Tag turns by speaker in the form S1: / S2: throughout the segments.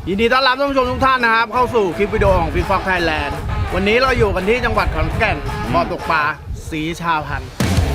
S1: ยินดีต้อนรับท่านผู้ชมทุกท่านนะครับเข้าสู่คลิปวิดีโอของฟิตฟ็อกไทยแลนด์วันนี้เราอยู่กันที่จังหวัดขอนแก่นบ่อตกปลาศรีชาพันธุ์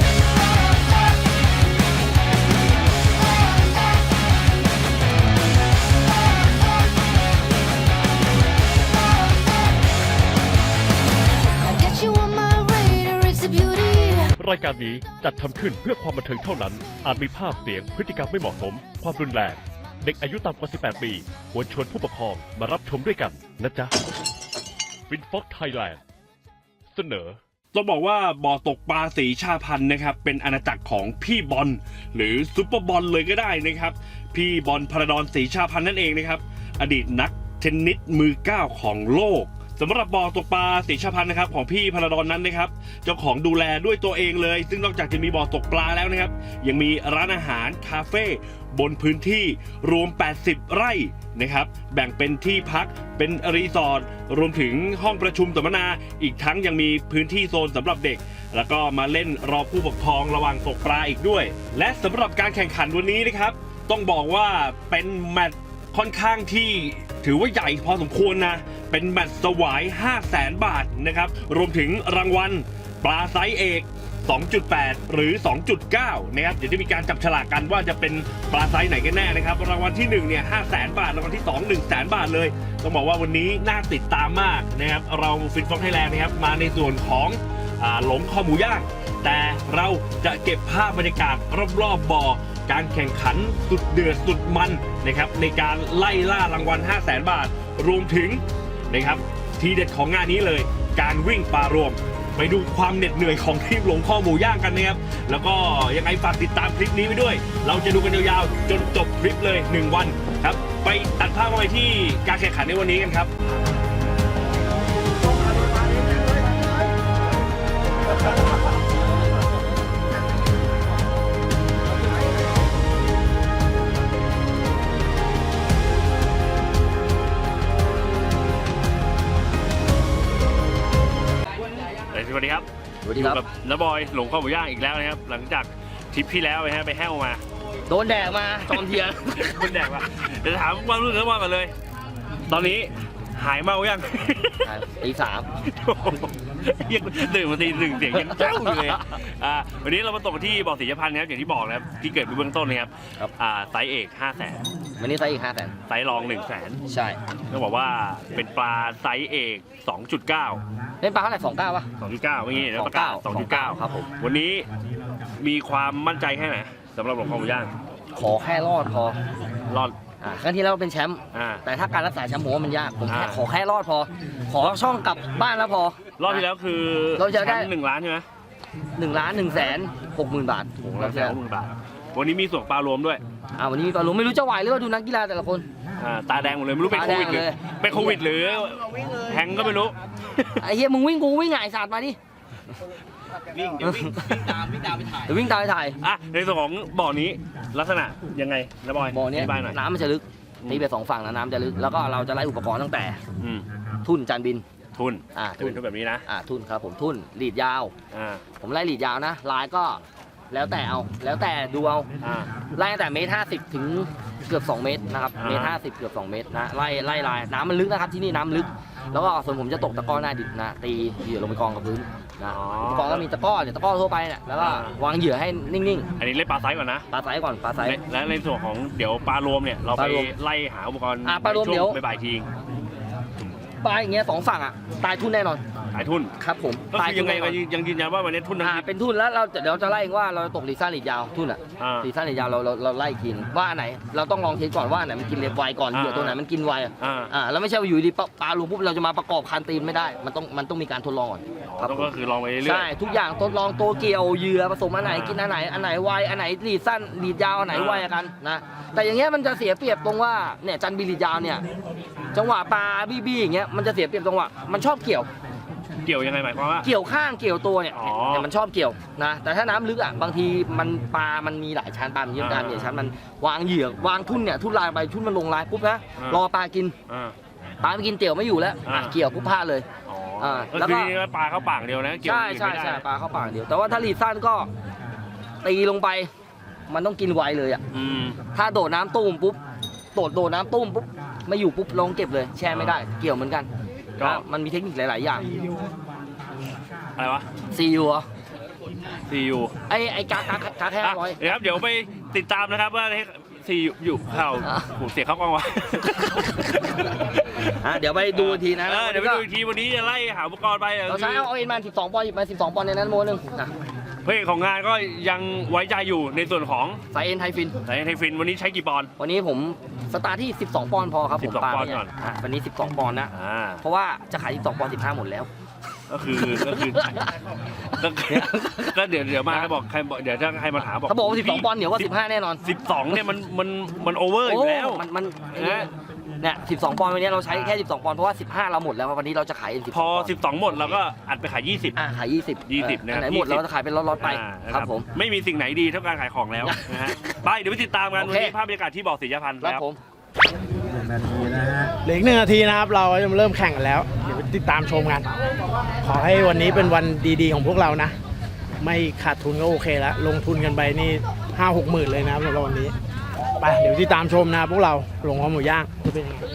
S2: รายการนี้จัดทำขึ้นเพื่อความบันเทิงเท่านั้น อาจมีภาพเสียงพฤติกรรมไม่เหมาะสม ความรุนแรง เด็กอายุต่ำกว่า 18 ปี ควรชวนผู้ปกครองมารับชมด้วยกันนะจ๊ะฟินฟ็อกไทยแลนด์เสนอต้องบอกว่าบ่อตกปลาศรีชาพันธุ์นะครับเป็นอาณาจักรของพี่บอลหรือซุปเปอร์บอลเลยก็ได้นะครับพี่บอลพระดอนศรีชาพันธุ์นั่นเองนะครับอดีตนักเทนนิสมือ9ของโลกสำหรับบ่อตกปลาศรีชาพันธุ์นะครับของพี่พระดอนนั้นนะครับเจ้าของดูแลด้วยตัวเองเลยซึ่งนอกจากจะมีบ่อตกปลาแล้วนะครับยังมีร้านอาหารคาเฟ่บนพื้นที่รวม80ไร่นะครับแบ่งเป็นที่พักเป็นรีสอร์ทรวมถึงห้องประชุมสัมมนาอีกทั้งยังมีพื้นที่โซนสำหรับเด็กแล้วก็มาเล่นรอผู้ปกครองระหว่างตกปลาอีกด้วยและสำหรับการแข่งขันวันนี้นะครับต้องบอกว่าเป็นแมตช์ค่อนข้างที่ถือว่าใหญ่พอสมควรนะเป็นแมตช์สวาย 500,000 บาทนะครับรวมถึงรางวัลปลาไซส์เอก 2.8 หรือ 2.9 นะครับเดี๋ยวจะมีการจับฉลากกันว่าจะเป็นปลาไซส์ไหนกันแน่นะครับรางวัลที่1เนี่ย 500,000 บาทรางวัลที่2 100,000 บาทเลยต้องบอกว่าวันนี้น่าติดตามมากนะครับเราฟินฟ็อกไทยแลนด์นะครับมาในส่วนของหลงคอหมูย่างแต่เราจะเก็บภาพบรรยากาศรอบๆบ่อการแข่งขันสุดเดือดสุดมันนะครับในการไล่ล่ารางวัล 500,000 บาทรวมถึงนะครับทีเด็ดของงานนี้เลยการวิ่งปลารวมไปดูความเหน็ดเหนื่อยของทีมหลงข้อหมูย่างกันนะครับแล้วก็ยังไงฝากติดตามคลิปนี้ไปด้วยเราจะดูกันยาวๆจนจบคลิปเลย1วันครับไปตัดภาพมาไปที่การแข่งขันในวันนี้กันครับสวัสดีครับอยู่กับน้าบอยหลงข้าวหมูย่างอีกแล้วนะครับหลังจากทริปที่แล้วนะฮะไปแห้วมา
S3: โดนแดดมาจอมเทียน
S2: โดนแดดมาเดี๋ยวถามความรู้สึกน้าบอยก่อนเลยตอนนี้หายเมายัง
S3: ตี 3
S2: ยังตื่นมาตี 1เสียงยังเจ้าอยู่เลยวันนี้เรามาตกที่บ่อศรีชาพันธุ์นะครับอย่างที่บอกนะครับที่เกิดเป็นเบื้องต้นนะครับไซส์เอก 500,000
S3: วันนี้ไซส์อีก 500,000
S2: ไซส์รอง 100,000
S3: ใช่
S2: ต้องบอกว่าเป็นปลาไซส์เอก 2.9
S3: เล่นปลาเท่าไหร่29ป่ะ
S2: 2.9เมื่อกี้นะประกาศ 2.9
S3: ครับผม
S2: วันนี้มีความมั่นใจแค่ไหนสำหรับหลงข้าวหมูย่าง
S3: ขอแค่รอดพอ
S2: รอด
S3: ครั้งที่แล้วเป็นแชมป์แต่ถ้าการรักษาแชมป์ผมว่ามันยากผมขอแค่รอดพอขอช่องกลับบ้านแล้วพอ
S2: รอบที่แล้วคือ
S3: เราจะได้
S2: 1 ล้านใช่ไหม
S3: 1,160,000 บาท
S2: 1,160,000 บาทวันนี้มีส่วนปลารวมด้วย
S3: วันนี้มีปลารวมไม่รู้จะไหวหรือว่าดูนักกีฬาแต่ละคน
S2: ตาแดงหมดเลยไม่รู้เป็นโควิดหรือเป็นโควิดหรือแทงก็ไม่รู้
S3: ไอ้เหี้ยมึงวิ่งกูวิ่งไงศาสตร์มาดิ
S1: วิ่งตามไปถ่าย
S3: วิ่งตามไปถ่าย
S2: ในส่วนของบ่อนี้ลักษณะยังไงนะบอย
S3: บ่อนี้น้ำมันจะลึกตีไป2ฝั่งนะน้ำจะลึกแล้วก็เราจะไล่อุปกรณ์ตั้งแต่ทุ่นจานบิน
S2: ทุ่น
S3: ทุ่น
S2: แบบนี้นะ
S3: ทุ่นครับผมทุ่นลีดยาวผมไล่ลีดยาวนะลายก็แล้วแต่เอาแล้วแต่ดูเอาไล่ตั้งแต่1.50 ถึงเกือบ2 เมตรนะครับ1.50 เกือบ2 เมตรนะไล่ลายน้ำมันลึกนะครับที่นี่น้ำลึกแล้วก็ส่วนผมจะตกตะก้อหน้าดิบนะตีเหยื่อลงไปกองกับพื้นอุปกรณ์ก็มีตะก้อเนี่ยตะก้อทั่วไปเนี่ยแล้วก็วางเหยื่อให้นิ่ง
S2: ๆอันนี้เล่นปลาไซส์ก่อนนะ
S3: ปลาไซส์ก่อนปลาไซส์
S2: และในส่วนของเดี๋ยวปลารวมเนี่ยเราไปไล่หาอุปกรณ์
S3: ปลารวมเดี๋ยว
S2: บ่ายที
S3: ปลาอย่างเงี้ย2 ฝั่งตายทุ่นแน่นอน
S2: ตายทุ่น
S3: ครับผม
S2: ตายยังไงยังยืนยันว่าวันนี้ทุ่น
S3: เป็นทุ่นแล้วเราเดี๋ยวจะไล่ว่าเราตกลีซ่าลีดยาวทุ่นลีซ่าลีดยาวเราไล่กินว่าไหนเราต้องลองเทสก่อนว่าไหนมันกินเล็บไวก่อนเหยื่อตัวไหนมันกินไวแล้วไม่ใช่ว่าอยู่ดีปลารวมปุ๊บเราจะมาประกอบคันตีนไม่ได้มันต้องมีการทดลองก่อน
S2: ก็คือลองไปเรื่อย
S3: ใช่ทุกอย่างทดลองตัวเกี่ยวเหยื่อผสมอันไหนกินอันไหนไวอันไหนลีดสั้นลีดยาวอันไหนไวกันนะแต่อย่างเงี้ยมันจะเสียเปรียบตรงว่าเนี่ยจันบีลีดยาวเนี่ยจังหวะปลาบี้อย่างเงี้ยมันจะเสียเปรียบจังหวะมันชอบเกี่ยว
S2: ยังไงหมายความว่า
S3: เกี่ยวข้างเกี่ยวตัวเนี่ยมันชอบเกี่ยวนะแต่ถ้าน้ำลึกบางทีมันปลามันมีหลายชั้นปลามันเยอะกันเนี่ยชั้นมันวางเหยื่อวางทุ่นเนี่ยทุ่นลายไปทุ่นมันลงลายปุ๊บนะรอปลากินปลาไม่กินเตี่ยวไม่อยู่แล้วเกี่ยวปุ๊บพลาดเลย
S2: แล้วก็ปลาเข้าปากเดียวนะ
S3: ใช่ปลาเข้าปากเดียวแต่ว่าถ้าลีดสั้นก็ตีลงไปมันต้องกินไวเลยถ้าโดดน้ำตุ้มปุ๊บโดดน้ำตุ้มปุ๊บไม่อยู่ปุ๊บลงเก็บเลยแช่ไม่ได้เกี่ยวเหมือนกัน
S2: ก็
S3: มันมีเทคนิคหลาย ๆ อย่าง
S2: อะไรวะ
S3: CU เหรอ
S2: CU
S3: ไอ้กาแค่ร้อย
S2: เดี๋ยวครับเดี๋ยวไปติดตามนะครับว่าCU อยู่ข่าวผมเสียเข้ากล้องวะ
S3: เดี๋ยวไปดูทีนะ
S2: เดี๋ยวไปดูอีกทีวันนี้จะไล่หาอุปกรณ์ไป
S3: เราใช้เอาเอ็นมา12 ปอนด์หยิบมา12 ปอนด์ในนั้นโมนึง
S2: เพลงของงานก็ยังไว้ใจอยู่ในส่วนของ
S3: สายเอ็นไทฟิน
S2: ไทฟินวันนี้ใช้กี่ปอนด์
S3: วันนี้ผมสตาร์ทที่ 12 ปอนด์พอครับผม
S2: 12
S3: ปา
S2: ปอนด์
S3: ไม่ใหญ่
S2: ก่อน
S3: วันนี้ 12 ปอนด์นะ เพราะว่าจะขาย12 ปอนด์15 หมดแล้ว
S2: ก็คือก็เดี๋ยวมาบอกใครบอกเดี๋ยวถ้าใครมาถามบอก
S3: เขาบอกว่า12 ปอนด์เหนียวกว่า15 แน่นอน
S2: 12เนี่ยมันโอเวอร์อยู่แล้ว
S3: มันเนี่ย12 ปอนด์วันนี้เราใช้แค่12 ปอนด์เพราะว่า15 เราหมดแล้ววันนี้เราจะขายเอ็น12
S2: พอ 12 หมดเราก็อัดไปขาย 20
S3: ขาย 20
S2: นะครับ
S3: ไหนหมดเราจะขายเป็นล็อตๆไปครับผม
S2: ไม่มีสิ่งไหนดีเท่าการขายของแล้วนะฮะไปเดี๋ยวไปติดตามกัน
S3: โอ
S2: วัน
S3: เค
S2: นี้ภาพบรรยากาศที่บอกศรียพันธ์
S3: ครับ
S2: แล้ว
S3: ผม
S1: เหลืออีก1 นาทีนะครับ เราจะเริ่มแข่งกันแล้ว เดี๋ยวไปติดตามชมกัน ขอให้วันนี้เป็นวันดีๆของพวกเรานะ ไม่ขาดทุนก็โอเคแล้ว ลงทุนกันไปนี่ 5-6 หมื่นเลยนะครับสำหรับวันนี้ ไปเดี๋ยวติดตามชมนะครับพวกเราลงข้าวหมูย่างจะเป็นยังไง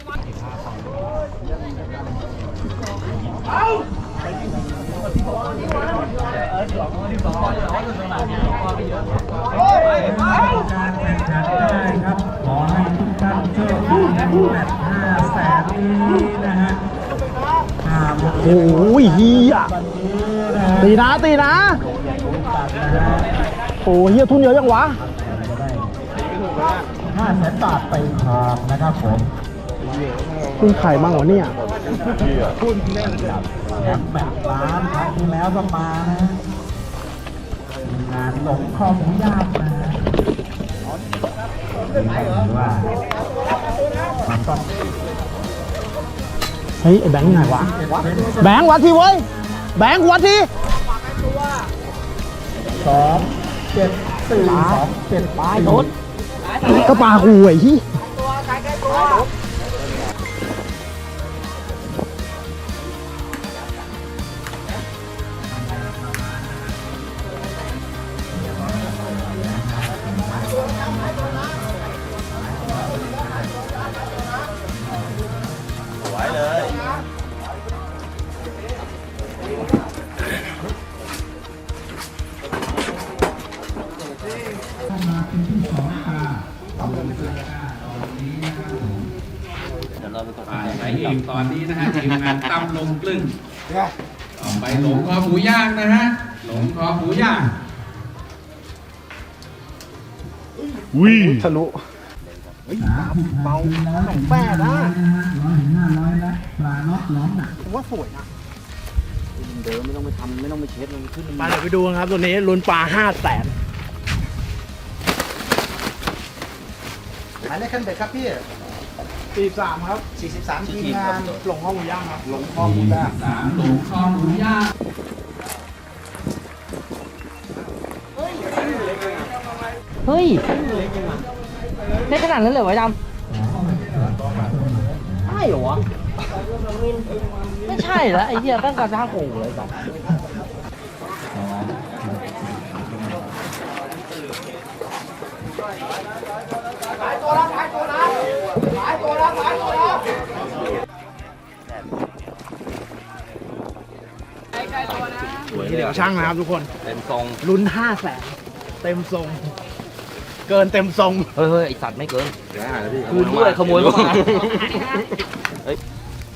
S4: การแข่งขันได้ครับขอให้ทุกท่านโชคดีในแมตช์500,000นี้นะฮะ
S1: โอ้ยเฮียตีนะตีนะโอ้เฮียทุนเยอะจังวะ
S4: 500,000 บาทไปครองนะครับผม
S1: ทุนไข่บ้างวะเนี่ย
S4: แมตช์ล้านครั้งที่แล้วก็มานะงานหลงคอหมูย่างนะว่ามันต้อง
S1: เฮ้ยไอ้แบงค์ไหนวะ แบงค์วัดทีเว้ย แบงค์วัดที
S4: 2-7-4-2-7
S1: ปลายโดดก็ปลาหูไอ้ที่
S5: ไปอีกตอนนี้นะฮะทีมงานตำลงกลึ้งต่อไปหลงคอหมูย่างนะฮะหลงคอหมูย่าง
S1: ทะลุเบาหนังแป้นะ
S4: 100-500แล้วปลาน็อตล้อมหนัก
S1: ผมว่าสวยนะ
S3: เดิมไม่ต้องไปทำไม่ต้องไปเช็ดมันขึ้น
S1: มาเดี๋ยวไปดูกันครับตัวนี้ลุ้นปลา500,000
S6: หมายเลขขั้นเบ็ดครับพี่
S1: 43ครับ
S6: 43ทีมงาน
S1: หลงข้าวหมูย่างครับ
S6: หลงคอหมูย่าง
S5: 3หลงคอหมูย่าง
S3: เฮ้ยได้ขนาดนั้นเลยเหรอไอ้ดำใช่เหรอวะไม่ใช่แล้วไอ้เหี้ยตั้งกระด้างโง่เลยจ้ะ
S1: เดี๋ยวช่างนะครับทุกคน
S3: เต็มทรง
S1: ลุ้น500,000เต็มทรง เกินเต็มทรง
S3: เฮ้ยไอสัตว์ไม่เกินคูณด้วยขโมยเข้ามาเฮ้ย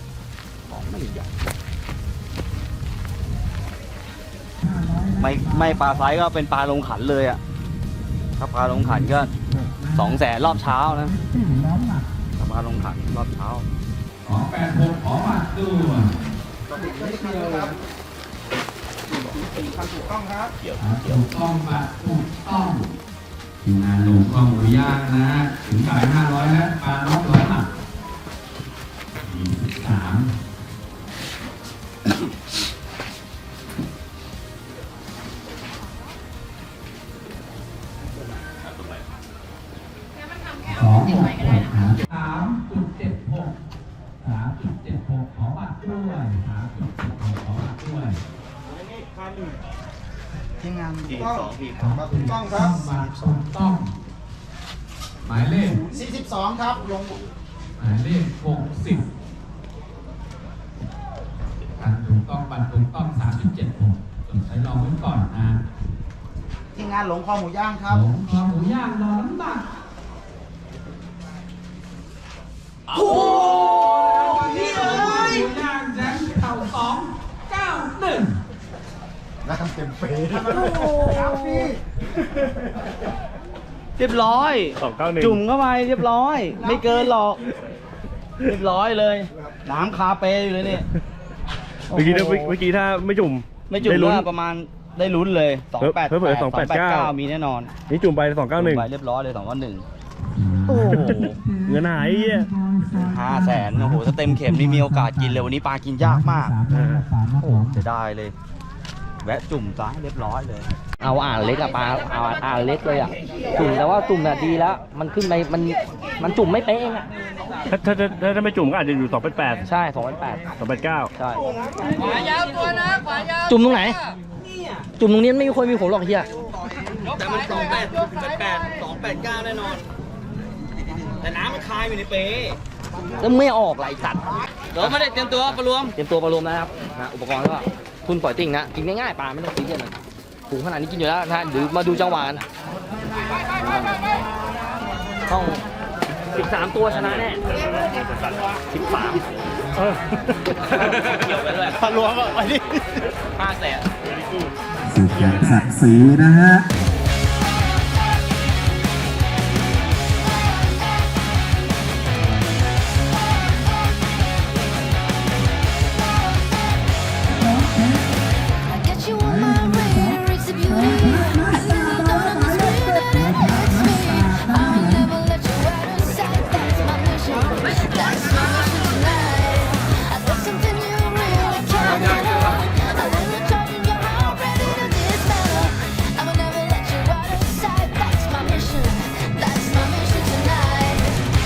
S3: ไม่ปลาไซส์ก็เป็นปลาลงขันเลยอ่ะถ้าปลาลงขันก็200,000รอบเช้านะถ้าปลาลงขันรอบเช้า
S5: 286ขอบัตรด้วย ถูกต้องบัตรถูกต้องทีมงานหลงคอหมูย่างนะถึงจ่าย500แล้วปลาน็อก100 บาท233.76 ขอบัตรด้วย3.76 ขอบัตรด้วย
S6: ทีมงาน
S5: ถูกต้องครับบัตรถูกต้องหมายเลข
S6: 42ครับลง
S5: หมายเลข60การถูกต้องบัตรถูกต้อง37ผมจดใช้รองไว้ก่อนนะ
S6: ทีมงานหลงคอหมูย่างครับ
S5: หลงคอหมูย่างรอน้ำหนักโอ้พี่เอ้ยย่างแจ็คเต่า291
S6: น้ำเต็มเปรย์ครับพี่
S1: เรียบร้อย
S2: 291
S1: จุ่มเข้าไปเรียบร้อย ไม่เกินหรอก เรียบร้อยเลย น้ำคาเปอยู่เลยเนี่ย
S2: เมื่อกี้ถ้าไม่จุ่ม
S1: ไม่จุ่ม
S2: ด้ลุ้น
S1: ก็ประมาณได้ลุ้นเลย288
S2: เผลอๆ289
S1: มีแน่นอน
S2: นี่จุ่มไป
S1: จุ่มไป
S2: 291
S1: เรียบร้อยเลย2 1
S2: โอ้โหเงินหายไอ้เหี้ย
S1: 500,000โอ้โหถ้าเต็มเข็มนี่มีโอกาสกินเลยวันนี้ปลากินยากมาก โอ้จะได้เลย แวะจุ่มซะเรียบร้อยเลย
S3: เอาอ่างเล็กอะปลาเอาอ่างเล็กเลยอะจุ่มแต่ว่าจุ่มน่ะดีแล้ว มันขึ้นไปมันจุ่มไม่เป๊ะเองอะ
S2: ถ้าไม่จุ่มก็อาจจะอยู่288
S3: ใช่2,800
S2: 289
S3: ใช่จุ่มตรงไหน จุ่มตรงนี้ไม่มีคนมีผมหรอกเฮีย
S1: แต่มัน289แน่นอน แต่น้ำมันคายอยู่ในเป
S3: แล้วไม่ออกไหลสัตว์
S1: เดี๋ยวไม่ได้เตรียมตัวปลารวม
S3: เตรียมตัวปลารวมนะครับนะอุปกรณ์ก็คุณปล่อยติ่งนะกินง่ายๆปลาไม่ต้องซีเรียสเลยถุงขนาดนี้กินอยู่แล้วนะหรือมาดูจังหวะกันต้อง13 ตัวชนะแน่13เกี่ยวไปด้วย
S1: ปลารวมอ่ะไปดิ
S3: 500,000
S4: สุดยอดศักดิ์ศรีนะฮะ
S7: I get you on my radar, it's a beauty. I really don't understand that it hurts me. I'll never let you out of sight. That's my mission. That's my mission tonight. There's something you really can't handle. A little charge and you're all ready to dismantle. I will never let you out of sight. That's my mission. That's my mission tonight.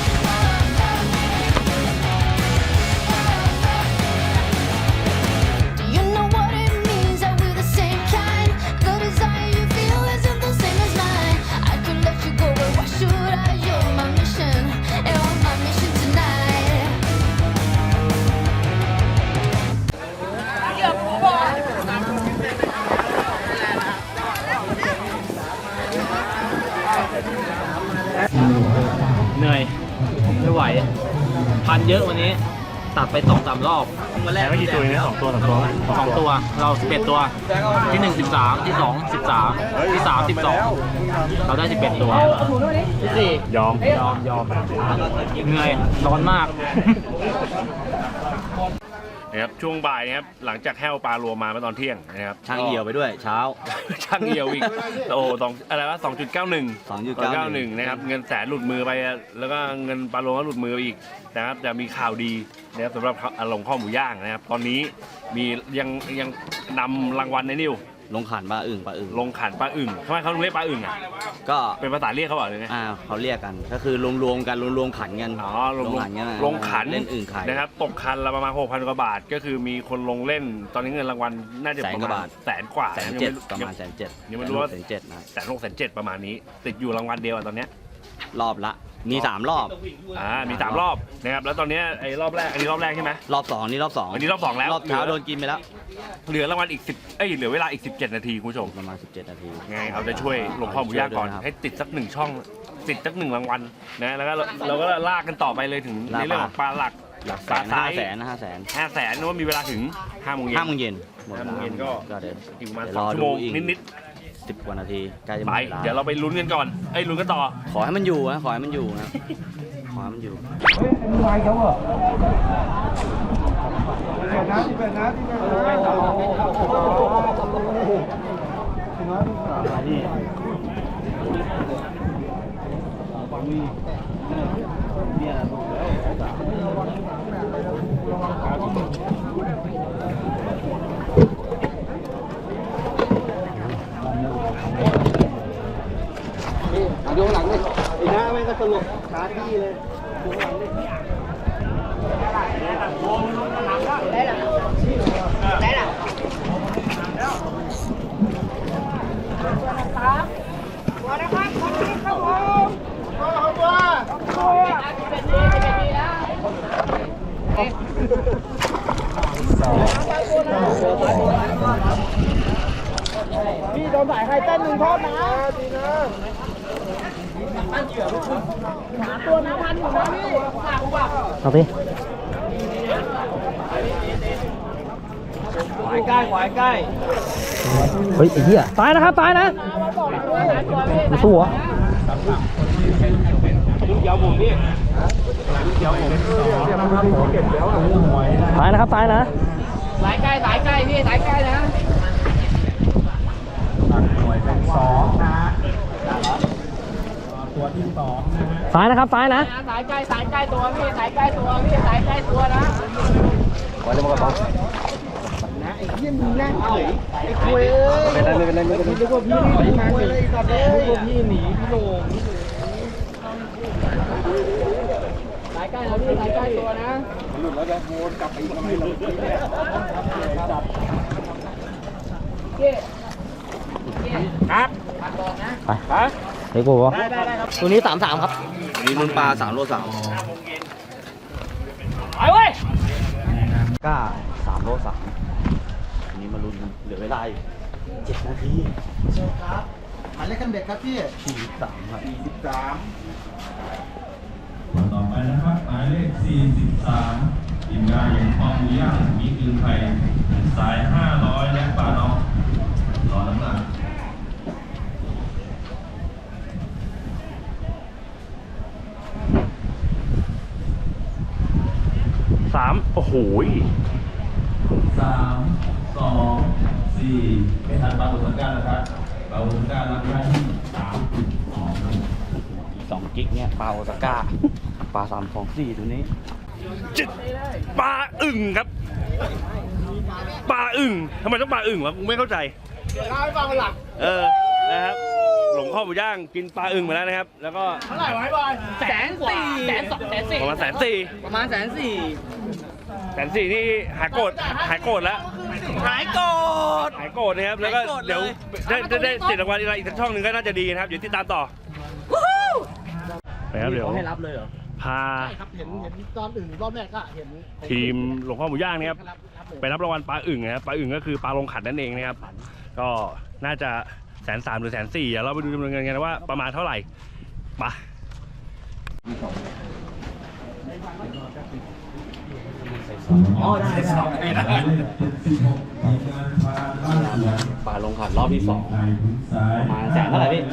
S7: Do you know what it means that we're the same kind? The desire you feel isn't the same as mine. I could let you go, but why should I? You're my mission, you're my mission tonight.
S1: เหนื่อย ไม่ไหว พันเยอะวันนี้ ตัดไป2-3 รอบวันแรกกี่ตัวเนี่ย2 ตัว2 ตัว เรา11 ตัว ที่1 13 ที่2 13 ที่3 12 เราได้11 ตัวที่4ยอมเหนื่อยร้อนมาก
S2: นะครับช่วงบ่ายนะครับหลังจากแห้วปลารวมมาเมื่อตอนเที่ยงนะครับ
S1: ช่างเหี่ยวไปด้วยเช้า
S2: ช่างเหี่ยวอีกโอ้ตองอะไรวะ2.91นะครับเงินแสนหลุดมือไปแล้วก็เงินปลารวมก็หลุดมือไปอีกนะครับแต่มีข่าวดีนะครับสำหรับลงข้อหมูย่างนะครับตอนนี้มียังนำรางวัลในนิว
S1: ลงขันปลาอึ่ง
S2: ลงขันปลาอึ่งทำไมเขาถึงเรียกปลาอึ่งอ่ะ
S1: ก็
S2: เป็นภาษาเรียกเขาบอกเลยไง
S1: เขาเรียกกัน ก็คือรวมๆกันรวมขันกัน
S2: อ๋อลง
S1: ขันกันนะ
S2: ลงขัน
S1: เล่นอึ่งไข่
S2: นะครับตกคันละประมาณ 6,000 กว่าบาท ก็คือมีคนลงเล่นตอนนี้เงินรางวัลน่าจะประมาณแสนกว่า
S1: 170,000ประมาณ170,000
S2: ยังไม่รู้ว่า
S1: 170,000นะ
S2: 160,000ประมาณนี้ ติดอยู่รางวัลเดียวอะตอนเนี้ย
S1: รอบละมี3 รอบ
S2: มี3รอบนะครับแล้วตอนเนี้ยไอ้รอบแรกอันนี้รอบแรกใช่ไหม
S1: รอบ2นี่รอบ2
S2: อันนี้รอบ2แล้ว
S1: รอบเช้าโดนกินไปแล้ว
S2: เหลือรางวัลอีกเหลือเวลาอีก17 นาทีคุณผู้ชม
S1: ประมาณ17 นาที
S2: ไงเอาใจช่วยลงข้อหมูย่างก่อน
S1: ช่วยด้วยนะครับ
S2: ให้ติดสัก1 ช่องติดสัก1 รางวัลนะแล้วก็เราก็ลากกันต่อไปเลยถึง
S1: ลาก
S2: ในเรื่องของปลาหลัก
S1: หลัก
S2: ปลา
S1: 500,000
S2: ไซส์
S1: นะ500,000
S2: 500,000นึกว่ามีเวลาถึง5 โมงเย็น
S1: 5 โมงเย็นหมด
S2: 5 โมงเย็นก็
S1: เดี๋ยว
S2: อีกประมาณ
S1: รอ
S2: 2 ชั่ว
S1: ดู
S2: โมง
S1: อีก
S2: นิด
S1: 10 กว่านาทีใกล้จะห
S2: ๆ
S1: ม
S2: ไป
S1: ดเวลา
S2: เดี๋ยวเราไปลุ้นกันก่อนลุ้นกันต่อ
S1: ขอให้มันอยู่นะขอให้มันอยู่นะขอให้มันอยู่
S6: ดูหลังเลยไอ้น้าแม่งก็สลบคาที่เลยดูหลังเลย
S1: พี่โดนสายใครเต้นหนึ่งโทษนะดีนะหาตัวน้ำมันอยู่นะพี่เอาพี่ขวายใกล้ขวายใกล้เฮ้ยไอ้เหี้ยตายนะครับตายนะตัวตายนะครับตายนะสายใกล้พี่สายใกล้นะตายนะครับตายนะสายใกล้ตัวพี่สายใกล้ตัวพี่สายใกล้ตัวนะไว้เลยมาก่อนนะไอ้เหี้ยมึงนั่งเฉยไอ้คุยไม่เป็นไรนึกว่าพี่หนีมาเลยตอนนี้นึกว่าพี่หนีพี่โหน่งสายใกล้แล้วพี่สายใกล้ตัวนะหลุดแล้วจะโวนกลับไปอีกทำไมเราครับไปเฮ้ยกูวะได้ครับตัวนี้33ครับนี่รุ่นปลา3 โล 3ไปเว้ยก้า3 โล 3อันนี้มาลุ้นเหลือเวลาอีก7 นาทีเชิญครับหมายเลขคันเบ็ดครับพี่43ครับ
S5: ต่อไปนะครับหมายเลข43ทีมงานอย่างปองหมูย่างมีคืนไทยสาย500และปลาน้องรอน้ำหนัก
S2: 3 โอ้โห
S5: 3 2 4ไม่ทันปลาบุษการนะครับปลาบุษการรับหน้าที่3
S6: 2 กิกเนี่ยปลาโอซาก้าปลา324ตัวนี้
S2: ปลาอึ่งครับ ปลาอึ่งทำไมต้องปลาอึ่งวะกูไม่เข้าใจ
S1: เดี๋ยวเล่าให้ฟังวันหลัง
S2: นะครับ หลงข้อหมูย่างกินปลาอึ่งมาแล้วนะครับ แล้วก็
S1: เท่าไหร่วะไอ้บอย140,000
S2: ประมาณ140,000
S3: ประมาณ140,000
S2: 140,000นี่หายโกรธแล้วหายโกรธนะครับแล้วก็เดี๋ยวได้ติดรางวัลอะไรอีกสักช่องหนึ่งก็น่าจะดีนะครับเดี๋ยวติดตามต่อไปครับเดี๋ยว
S1: ให้รับเลยเหรอ
S2: พา
S1: ใช่ครับเห็นตอนอื่นรอบแรกก็เห็น
S2: ทีมหลวงพ่อหมูย่างนะครับไปรับรางวัลปลาอึ่งนะครับปลาอึ่งก็คือปลาลงขันนั่นเองนะครับก็น่าจะ130,000 หรือ140,000เดี๋ยวเราไปดูจำนวนเงินกันว่าประมาณเท่าไหร่ไป
S6: ปลาลงขันรอบที่ 2ประมาณ100,000เท่าไหร่พี่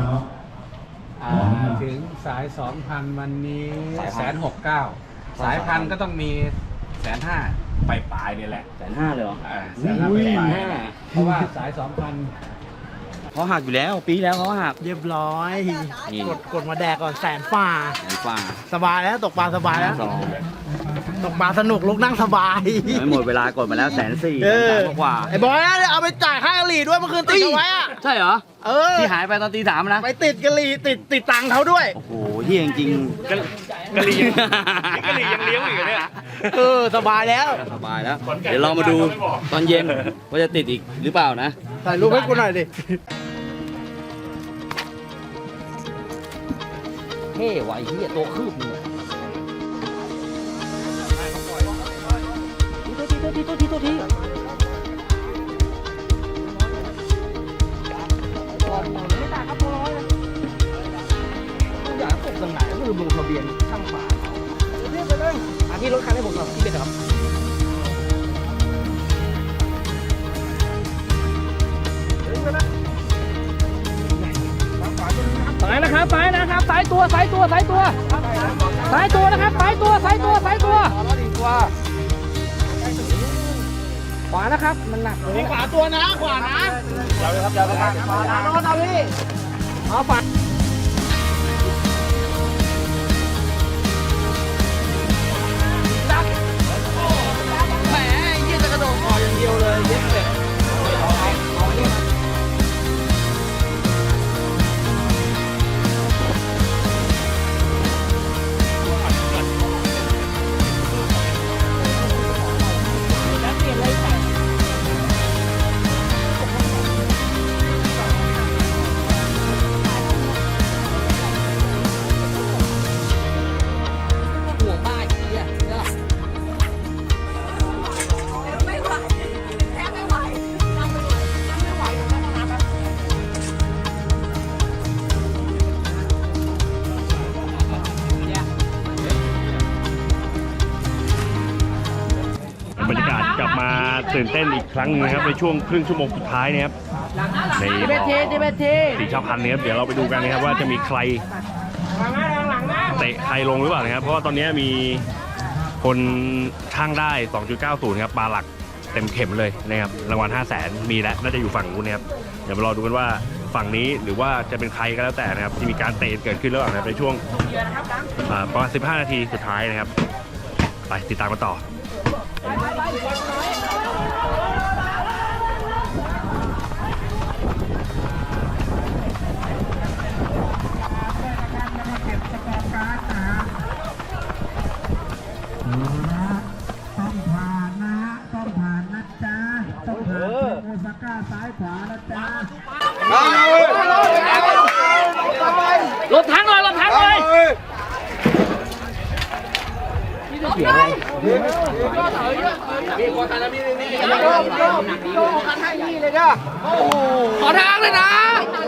S8: ถึงสาย 2,000 วันนี้169,000สายพันก็ต้องมี150,000ปลายเนี่ยแหละ
S6: 150,000เลยเหรอ
S8: 150,000เพราะว่าสาย 2,000
S6: เขาหักอยู่แล้วปีแล้วเขาหัก
S1: เรียบร้อยกดมาแดกก่อน100,000 ฝ่าสบายแล้วตกปลาสบายแล้วตกปลาสนุกลุกนั่งสบาย
S6: ไม่หมดเวลากดมาแล้ว140,000กว่า
S1: ไอ้บอยเอาไปจ่ายค่ากะหรี่ด้วยเมื่อคืนติดเอาไว้อะ
S6: ใช่เหรอที่หายไปตอนตี 3นะ
S1: ไปติดกะหรี่ติดตังค์เขาด้วย
S6: โอ้โหที่จริง
S2: กะหรี่ยังเลี้ยงอีกเนี่ย
S1: สบายแล้ว
S6: เดี๋ยวเรามาดูตอนเย็นว่าจะติดอีกหรือเปล่านะ
S1: ถ่ายรูปให้กูหน่อยดิ
S6: เท่ว่ะไอ้เหี้ยตัวคืบเนี่ยตัวที
S1: ไม่ได้ครับตัวร้อยเลยอยากตกตรงไหนก็คือลงทะเบียนช่างฝาเรียกไปเลยที่รถคันให้ผมหน่อยที่เป็นครับสายนะครับสายนะครับสายตัวนะครับสายตัวขวานะครับมันหนักเลยขวาตัวนะขวานะเดี๋ยวเลยครับขวานะโน้ตเอาพี่เอาฝาแหมยี่จะกระโดดออกอย่างเดียวเลยเย็บเป็ด
S2: มาตื่นเต้นอีกครั้งหนึงนะครับในช่วงครึ่งชั่วโมงสุดท้ายนะครับในบ่อสีชาวพันธุ์นะครับเดี๋ยวเราไปดูกันนะครับว่าจะมีใครเตะใครลงหรือเปล่านะครับเพราะว่าตอนนี้มีคนช่างได้ 2.90 ครับปลาหลักเต็มเข็มเลยนะครับรางวัล 500,000 มีแล้วน่าจะอยู่ฝั่งนู้นนะครับเดี๋ยวมารอดูกันว่าฝั่งนี้หรือว่าจะเป็นใครก็แล้วแต่นะครับที่มีการเตะเกิดขึ้นระหว่างในช่วงประมาณ15 นาทีสุดท้ายนะครับไปติดตามกันต่อ
S4: ต้องผ่านนะฮะต้องผ่านนะจ๊ะต้องผ่านโอซาก้าซ้ายขวานะจ๊ะ
S3: รถทั้งเลยรถทั้งเลย ขอทางเลยนะ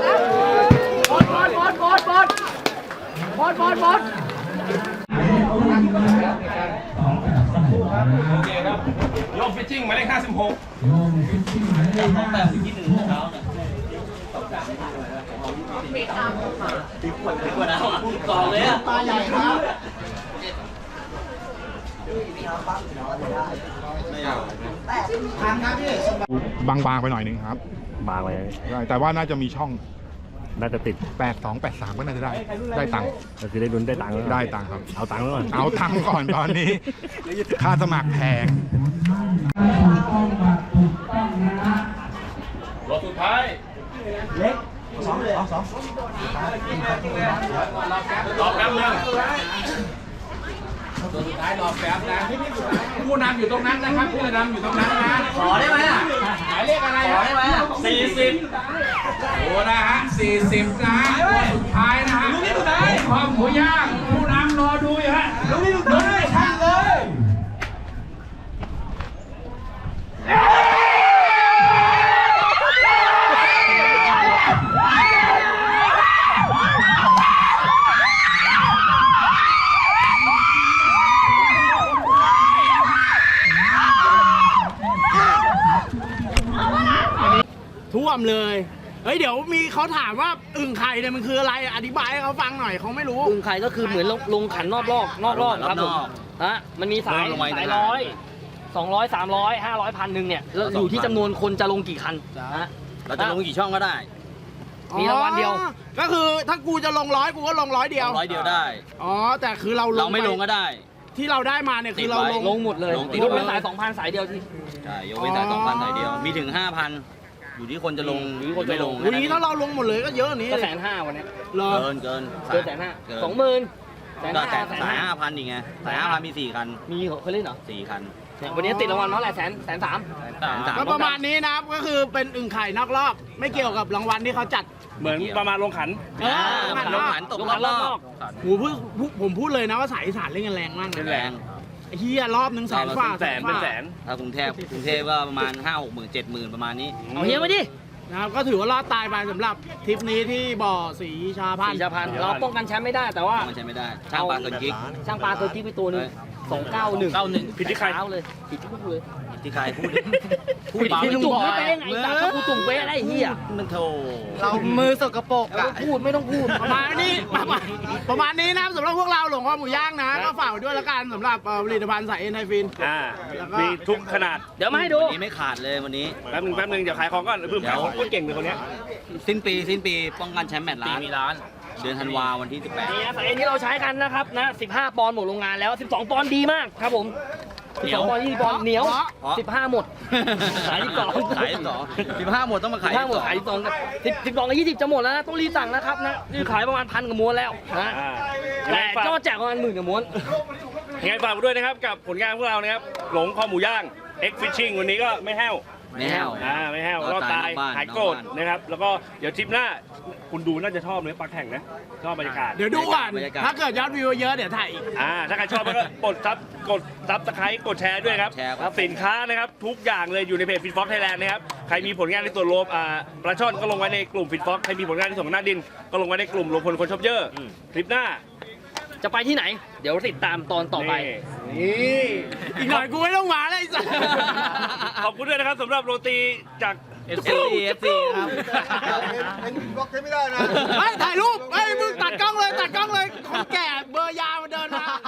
S8: โยมฟิชชิ่งหมายเลข56
S3: ต่อเลยอ่ะ
S9: บางๆไปหน่อยนึงครับ
S2: บางเลย
S9: ได้แต่ว่าน่าจะมีช่อง
S2: น่าจะติด
S9: 82 83 ก็น่าจะได้ตังค์
S2: ก็คือได้ลุ้นได้ตังค์แล้ว
S9: ได้ตังค์ครับ
S2: เอาตังค์แล้วก่อน
S9: เอาตังค์ก่อนตอนนี้ ค่าสมัครแพง
S8: รถสุดท้ายรอแป๊บนึงตัวสุดท้ายรอแป๊บนะผู้นำอยู่ตรงนั้นนะครับผู้นำอยู่ตรงนั้นนะขอได้ไหมอ่ะหมายเลขอะไรขอได้ไหมอ่ะ40โอ้นะฮะ40นะตัวสุดท้ายนะฮะความหมูย่างผู้นำรอดูอยู่ฮะเลยทางเลย
S1: ท่วมเลยเฮ้ยเดี๋ยวมีเขาถามว่าอึ่งไข่เนี่ยมันคืออะไรอธิบายให้เขาฟังหน่อยเขาไม่รู้
S3: อึ่งไข่ก็คือเหมือนลงขันนอกรอบครับผมฮะมันมีสาย100 200 300 500 1,000เนี่ยแล้วอยู่ที่จำนวนคนจะลงกี่คันนะฮะ
S6: เราจะลงกี่ช่องก็ได้
S3: มีรางวัลเดียว
S1: ก็คือถ้ากูจะลง100กูก็ลง100เดียว
S6: 100 เดียวได้
S1: อ๋อแต่คือเรา
S6: เราไม่ลงก็ได้
S1: ที่เราได้มาเนี่ยคือเรา
S6: ติดไว้
S3: ลงหมดเลย
S6: ลงติด
S3: ยกเว้น
S6: ไว้
S3: สาย 2,000 สายเดียวที่
S6: ใช่ ยกเว้นสาย
S1: อ๋อ
S6: 2,000 สายเดียว มีถึง 5,000 อยู่ที่คนจะลงหรือคนไม่ลง
S1: วันนี้ถ้าเราลงหมดเลยก็เยอะกว่านี้
S3: ก็
S1: เลย
S3: 150,000วันเนี้ย
S1: เหรอ
S6: เกิน
S3: เกิน150,000
S6: เกิน
S3: 20,000
S6: ก็แต่สาย
S3: 150,000
S6: 5,000 อีกไง สาย 5,000 มี 4 คัน
S3: มีเหรอเคยเล่นเหรอ
S6: 4 คัน
S3: เนี่ยวันนี้ติดรางวัลเท่าไหร่130,000
S1: ก็ประมาณนี้นะครับก็คือเป็นอึ่งไข่นอกรอบ ไม่เกี่ยวกับรางวัลที่เขาจัด
S8: เหมือนประมาณลงขัน
S6: ลงขันตกรอบนอก
S1: ผมพูดเลยนะว่าสายอีสานเล่นกันแรงมากนะ
S6: แรง
S1: ไอ้เฮียรอบ100,000 กว่า
S8: เป็นแสน
S6: ถ้ากรุงเทพก็ประมาณ 5-6 หมื่น 7 หมื่นประมาณนี้
S3: เอาเฮียมาดิ
S1: นะครับก็ถือว่ารอดตายไปสำหรับทริปนี้ที่บ่อสีชาพัน
S3: สี
S1: ธุ์
S3: ชาพันธุ์เราป้องกันแชมป์ไม่ได้แต่ว่า
S6: มันใช้ไม่ได้ ช่างปลาเกินกิ๊ก
S3: ช่างปลาตัวกิ๊กไปตัวหนึง291
S8: ผิดที่ใคร
S3: เช้าเลยผิดที่พวกเลย
S6: ที่ใครพูด
S3: พูดที่ลุงบอกไม่เป็นไงแต่ถ้ากูตุ่มเป๊ะอะไรเฮีย
S6: มันโถ
S1: เรามือสกปรกอะไม่ต้องพูดประมาณนี้ประมาณนี้นะครับสำหรับพวกเราหลงข้อหมูย่างนะก็ฝากไว้ด้วยละกันสำหรับผลิตภัณฑ์สายเอ็นไทฟิน แล้วก็
S8: มีทุกขนาด
S3: เดี๋ยวมาให้ดู
S6: วันนี้ไม่ขาดเลยวันนี้
S8: แป๊บนึงเดี๋ยวขายของก่อนเพิ่มขายของคนเก่งเลยคนเนี้ย
S6: สิ้นปีป้องกันแชมป์แมตช์ล้านมีล้าน เดือนธันวาวันที่
S3: นี่นะสายเอ็นที่เราใช้กันนะครับนะ15 ปอนด์หมดโรงงานแล้ว 12 ปอนด์ดีมากครับผม12 ปอนด์20 ปอนด์เหนียว 15 หมดขาย12
S6: ขาย15 หมดต้องมาขาย
S3: 15 หมดขาย12กับ12กับ20จะหมดแล้วนะต้องรีบสั่งนะครับนะนี่ขายประมาณ1,000 กว่าม้วนแล้วนะแต่ยอดแจกประมาณ10,000 กว่าม้วน
S8: ยังไงฝากไว้ด้วยนะครับกับผลงานพวกเรานะครับหลงคอหมูย่าง X Fishing วันนี้ก็ไม่แห้ว
S6: ไม่แห้ว
S8: ไม่แห้วรอดตายหายโกรธนะครับแล้วก็เดี๋ยวทริปหน้าคุณดูน่าจะชอบเลยปลาแข่งนะชอบบรรยากาศ
S1: เดี๋ยวดูก่อน
S6: บรรยากาศ
S1: ถ้าเกิดยอดวิวเยอะเดี๋ยวถ่ายอีก
S8: ถ้าใครชอบก็กดซับสไครต์กดแชร์ด้วยครับ
S6: แชร์ครับ
S8: สินค้านะครับทุกอย่างเลยอยู่ในเพจฟิตฟ็อกไทยแลนด์นะครับใครมีผลงานในส่วนรวมปลาช่อนก็ลงไว้ในกลุ่มฟิตฟ็อกใครมีผลงานในส่วนของหน้าดินก็ลงไว้ในกลุ่มรวมพลคนชอบเยอะคลิปหน้า
S3: จะไปที่ไหน เดี๋ยวติดตามตอนต่อไป
S8: นี่
S1: นี่อีกหน่อยกูไม่ต้องมาแล้วไอ้สัส
S2: ขอบคุณด้วยนะครับสำหรับโรตีจาก
S3: FC ครับ
S6: เป็นบล็อกใช้ไม่ได้นะ
S1: เฮ้ยถ่ายรูปเฮ้ยมึงตัดกล้องเลยคนแก่เบอร์ยาวมาเดินมา